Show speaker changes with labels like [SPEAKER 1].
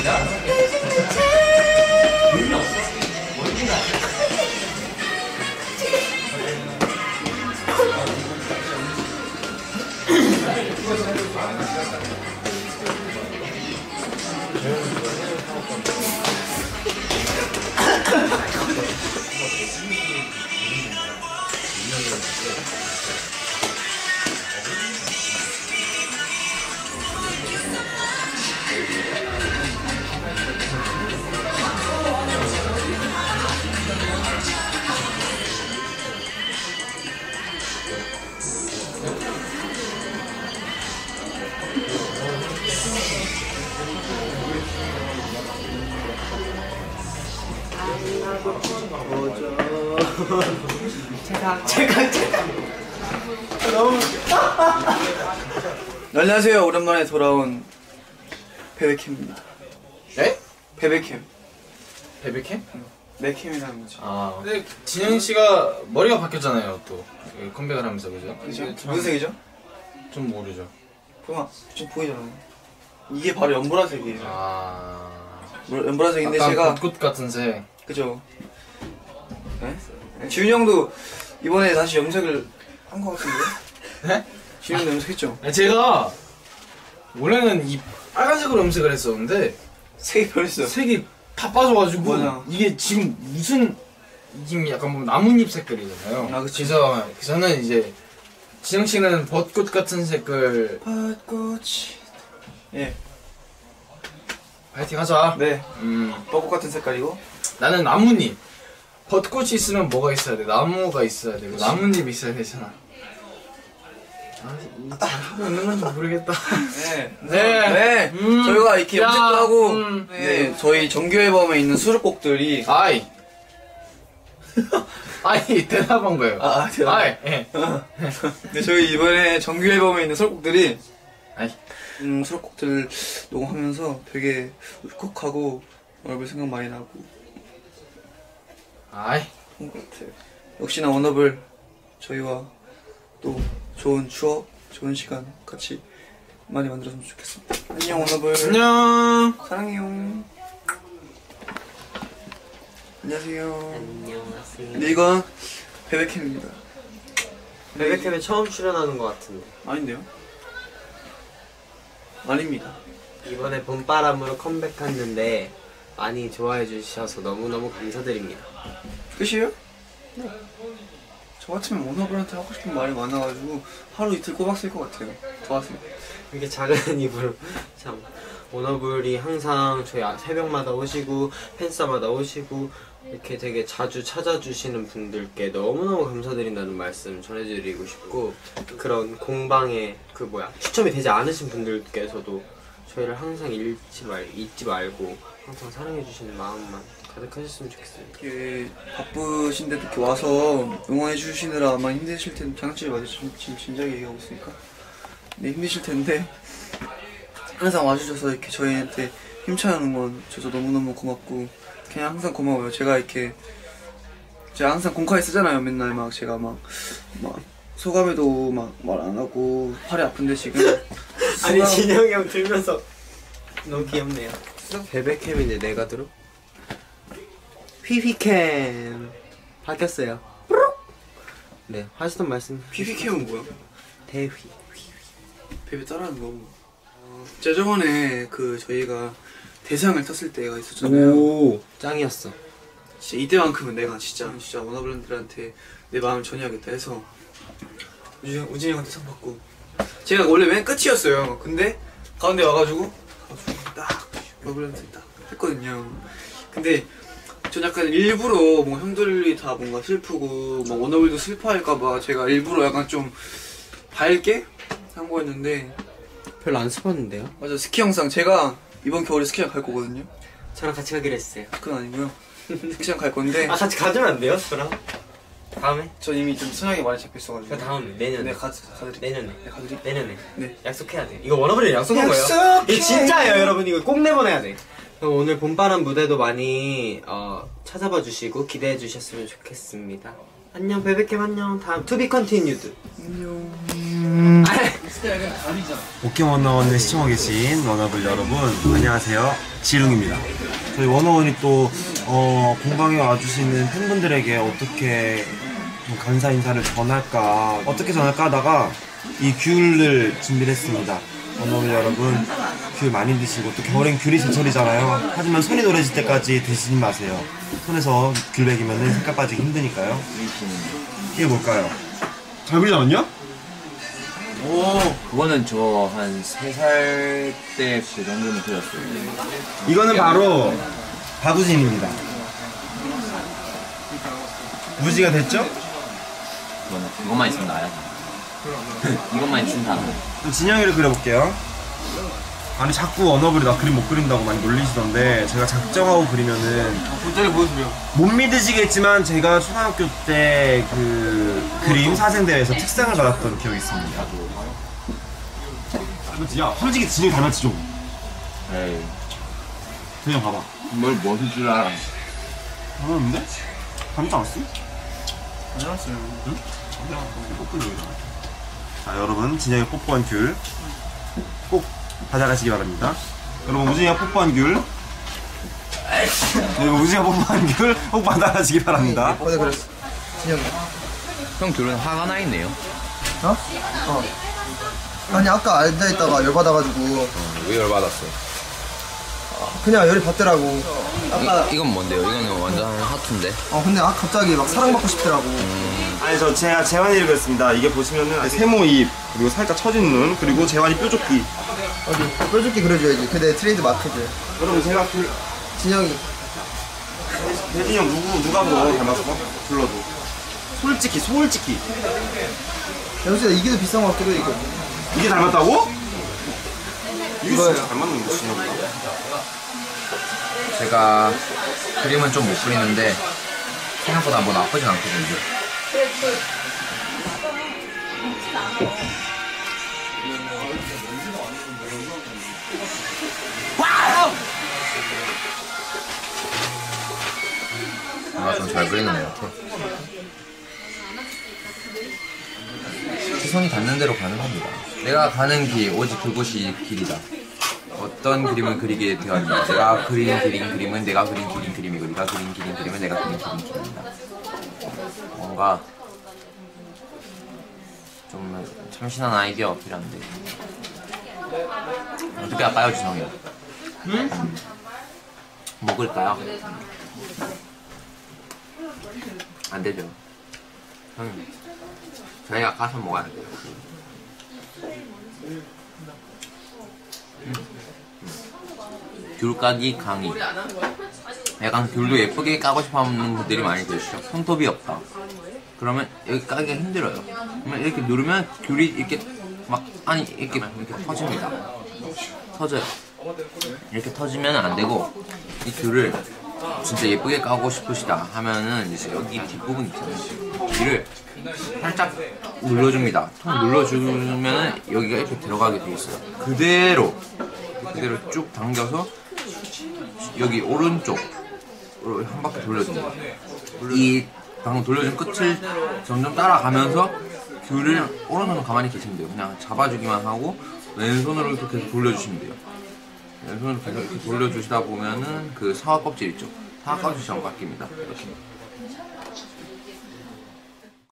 [SPEAKER 1] 제가 너무 안녕하세요. 오랜만에 돌아온 베베캠입니다.
[SPEAKER 2] 네?
[SPEAKER 1] 베베캠.
[SPEAKER 2] 베베캠?
[SPEAKER 1] 내 캠이라는 거죠.
[SPEAKER 2] 아. 근데 진영 씨가 머리가 바뀌었잖아요. 또 컴백을 하면서 그죠?
[SPEAKER 1] 그죠? 무슨 색이죠?
[SPEAKER 2] 좀 모르죠.
[SPEAKER 1] 보마 좀 보이잖아요. 이게 바로 연보라색이에요.
[SPEAKER 2] 아.
[SPEAKER 1] 연보라색인데 제가
[SPEAKER 2] 벚꽃 같은 색.
[SPEAKER 1] 그죠? 네? 지훈이 형도 이번에 다시 염색을 한 거 같은데?
[SPEAKER 2] 네?
[SPEAKER 1] 지훈이 형도 염색했죠?
[SPEAKER 2] 제가 원래는 이 빨간색으로 염색을 했었는데
[SPEAKER 1] 색이 변했어요.
[SPEAKER 2] 색이 다 빠져가지고
[SPEAKER 1] 맞아.
[SPEAKER 2] 이게 지금 무슨 지금 약간 뭐 나뭇잎 색깔이잖아요.
[SPEAKER 1] 아, 그치.
[SPEAKER 2] 그래서 저는 이제 진영 씨는 벚꽃 같은 색깔.
[SPEAKER 1] 벚꽃이. 예.
[SPEAKER 2] 파이팅 하자.
[SPEAKER 1] 네. 벚꽃 같은 색깔이고.
[SPEAKER 2] 나는 나뭇잎. 벚꽃이 있으면 뭐가 있어야 돼? 나무가 있어야 되고 나뭇잎이 있어야 되잖아. 아, 잘하고 있는 건지 모르겠다.
[SPEAKER 1] 네.
[SPEAKER 2] 네.
[SPEAKER 1] 네. 저희가 이렇게
[SPEAKER 2] 야,
[SPEAKER 1] 염색도 하고, 네. 저희 정규 앨범에 있는 수록곡들이.
[SPEAKER 2] 아이. 아이, 대답한 거예요.
[SPEAKER 1] 대답.
[SPEAKER 2] 아이, 예.
[SPEAKER 1] 네, 저희 이번에 정규 앨범에 있는 수록곡들이.
[SPEAKER 2] 아이.
[SPEAKER 1] 수록곡들 녹음하면서 되게 울컥하고, 얼굴 생각 많이 나고.
[SPEAKER 2] 아이.
[SPEAKER 1] 그런 것 같아요. 역시나 워너블, 저희와 또 좋은 추억, 좋은 시간 같이 많이 만들었으면 좋겠습니다. 안녕, 워너블.
[SPEAKER 2] 안녕.
[SPEAKER 1] 사랑해요. 안녕하세요.
[SPEAKER 3] 안녕하세요.
[SPEAKER 1] 네, 이건 베베캠입니다.
[SPEAKER 3] 베베캠에 처음 출연하는 것 같은데
[SPEAKER 1] 아닌데요? 아닙니다.
[SPEAKER 3] 이번에 봄바람으로 컴백했는데 많이 좋아해 주셔서 너무너무 감사드립니다.
[SPEAKER 1] 끝이에요? 네. 저 같으면 워너블한테 하고 싶은 말이 많아가지고 하루 이틀 꼬박 쓸 것 같아요. 더 하세요.
[SPEAKER 3] 이렇게 작은 입으로 참 워너블이 항상 저희 새벽마다 오시고 팬싸마다 오시고 이렇게 되게 자주 찾아주시는 분들께 너무너무 감사드린다는 말씀 전해드리고 싶고, 그런 공방에 추첨이 되지 않으신 분들께서도 저희를 항상 잊지 말고 항상 사랑해주시는 마음만 가득하셨으면 좋겠습니다.
[SPEAKER 1] 이렇게 바쁘신데도 이렇게 와서 응원해주시느라 아마 힘드실 텐데, 장난치지 마세요. 지금 진작에 얘기하고 있으니까. 네, 힘드실 텐데 항상 와주셔서 이렇게 저희한테 힘찬 응원 줘서 너무너무 고맙고, 그냥 항상 고마워요. 제가 항상 공카에 쓰잖아요. 맨날 제가 소감에도 말 안 하고 팔이 아픈데 지금
[SPEAKER 3] 아니 진영이 형 들면서 너무 귀엽네요. 베베캠인데 내가 들어? 휘휘캠 바뀌었어요. 네, 하시던 말씀.
[SPEAKER 1] 휘휘캠은 뭐야?
[SPEAKER 3] 대휘.
[SPEAKER 1] 베베 따라하는 거. 제가 저번에 저희가 대상을 탔을 때가 있었잖아요.
[SPEAKER 3] 오, 짱이었어.
[SPEAKER 1] 진짜 이때만큼은 내가 진짜 워너블랜드한테 내 마음을 전해야겠다 해서 우진이 형한테 상 받고, 제가 원래 맨 끝이었어요. 근데 가운데 와가지고 딱 워너블랜드 딱 했거든요. 근데 전 약간 일부러 형들이 다 뭔가 슬프고 워너블도 슬퍼할까봐 제가 일부러 약간 좀 밝게 한 거였는데
[SPEAKER 3] 별로 안 슬펐는데요?
[SPEAKER 1] 맞아. 스키 영상 제가 이번 겨울에 스키장 갈 거거든요.
[SPEAKER 3] 저랑 같이 가기로 했어요.
[SPEAKER 1] 그건 아니고요. 스키장 갈 건데.
[SPEAKER 3] 같이 가주면 안 돼요? 저랑? 다음에?
[SPEAKER 1] 전 이미 좀 순하게 많이 잡혀있어가지고.
[SPEAKER 3] 다음에 내년에.
[SPEAKER 1] 네, 가드릴게요.
[SPEAKER 3] 내년에.
[SPEAKER 1] 네, 가드릴게요.
[SPEAKER 3] 내년에.
[SPEAKER 1] 네.
[SPEAKER 3] 약속해야 돼. 이거 워너블이랑 약속한 거예요. 이게 진짜예요, 여러분. 이거 꼭 내보내야 돼. 그럼 오늘 봄바람 무대도 많이 찾아봐 주시고 기대해 주셨으면 좋겠습니다. 안녕 베베캠 안녕. 다음 투비 컨티뉴드.
[SPEAKER 4] 오케원어원을 시청하고 계신 워너블 여러분 안녕하세요, 지룽입니다. 저희 워너원이 또 공방에 와주시는 팬분들에게 어떻게 좀 감사 인사를 어떻게 전할까 하다가 이 귤을 준비를 했습니다. 워너블 여러분, 귤 많이 드시고, 또 겨울엔 귤이 제철이잖아요. 하지만 손이 노래질 때까지 드시지 마세요. 손에서 귤 먹이면 색깔 빠지기 힘드니까요. 이게 뭘까요? 잘 그리지 않았냐?
[SPEAKER 5] 그거는 저 한 3살 때 그 정도는 그렸어요.
[SPEAKER 4] 이거는 바로 바구진입니다. 무지가 됐죠?
[SPEAKER 5] 그것만 있으면 나야. 이것만 있으면 다.
[SPEAKER 4] 또 진영이를 그려볼게요. 아니 자꾸 언어블이 나 그림 못 그린다고 많이 놀리시던데, 제가 작정하고 그리면은
[SPEAKER 1] 본전에 보여주려.
[SPEAKER 4] 못 믿으시겠지만 제가 초등학교 때 그 그림 사생대회에서 특상을 받았던 기억이 있습니다. 닮았지? 야 솔직히 진영이 닮았지 좀.
[SPEAKER 5] 에이,
[SPEAKER 4] 그냥 봐봐.
[SPEAKER 5] 뭘 멋을 줄 알아.
[SPEAKER 4] 닮았는데? 닮지 않았어?
[SPEAKER 1] 안녕하세요.
[SPEAKER 4] 응? 뽀뽀는 여기다. 자 여러분, 진영이 뽀뽀한 귤 꼭 받아가시기 바랍니다. 여러분, 우진이가 뽀뽀한 귤, 네, 우진이가 뽀뽀한 귤 꼭 받아가시기 바랍니다.
[SPEAKER 6] 어제 그랬어. 진영이.
[SPEAKER 5] 형 둘은 화가 나 있네요.
[SPEAKER 6] 어? 어. 아니 아까 앉아있다가 열받아가지고
[SPEAKER 5] 왜 열받았어?
[SPEAKER 6] 그냥 열이 받더라고. 아까
[SPEAKER 5] 이건 뭔데요? 이거는 완전 하트인데.
[SPEAKER 6] 근데 갑자기 막 사랑받고 싶더라고.
[SPEAKER 4] 아니 제가 재환이를 그렸습니다. 이게 보시면은 세모 입, 그리고 살짝 처진 눈, 그리고 재환이 뾰족기.
[SPEAKER 6] 어디 뾰족히 그려줘야지. 그게 내 트레이드 마크지.
[SPEAKER 4] 여러분 제가
[SPEAKER 6] 진영이.
[SPEAKER 4] 대진이 형 누가 더 닮았어? 불러도 솔직히
[SPEAKER 6] 영수야 이게 더 비싼 것 같기도 해 이거.
[SPEAKER 4] 이게 닮았다고? 이게
[SPEAKER 6] 이거예요.
[SPEAKER 4] 진짜 닮았는 거 진영보다.
[SPEAKER 5] 제가 그림은 좀 못 그리는데 생각보다 뭐 나쁘진 않거든요. 좀 잘 그리는 것 같아. 시선이 닿는 대로 가는 겁니다. 내가 가는 길, 오직 그곳이 길이다. 어떤 그림을 그리게 되었냐. 내가 그린 그림은 내가 그린 그림이고, 네가 그린 그림은 내가 그린 그림이다. 뭔가 좀 참신한 아이디어 어필한데 어떻게 할까요, 지성이? 응? 먹을까요? 안 되죠. 저희가 가서 먹어야 돼요. 귤 까기 강의. 약간 귤도 예쁘게 까고 싶어 하는 분들이 많이 계시죠. 손톱이 없다. 그러면 여기 까기가 힘들어요. 그러면 이렇게 누르면 귤이 이렇게 막 이렇게 터집니다. 터져요. 이렇게 터지면 안 되고, 이 귤을 진짜 예쁘게 까고 싶으시다 하면은 이제 여기 뒷부분 있잖아요. 귀를 살짝 눌러줍니다. 통 눌러주면은 여기가 이렇게 들어가게 돼 있어요. 그대로 쭉 당겨서 여기 오른쪽으로 한 바퀴 돌려줍니다. 이 방금 돌려준 끝을 점점 따라가면서 귤을 오른손으로 가만히 계시면 돼요. 그냥 잡아주기만 하고 왼손으로 이렇게 계속 돌려주시면 돼요. 왼손으로 계속 이렇게 돌려주시다 보면은 그 사과 껍질 있죠? 사과 껍질처럼 바뀝니다. 이렇게.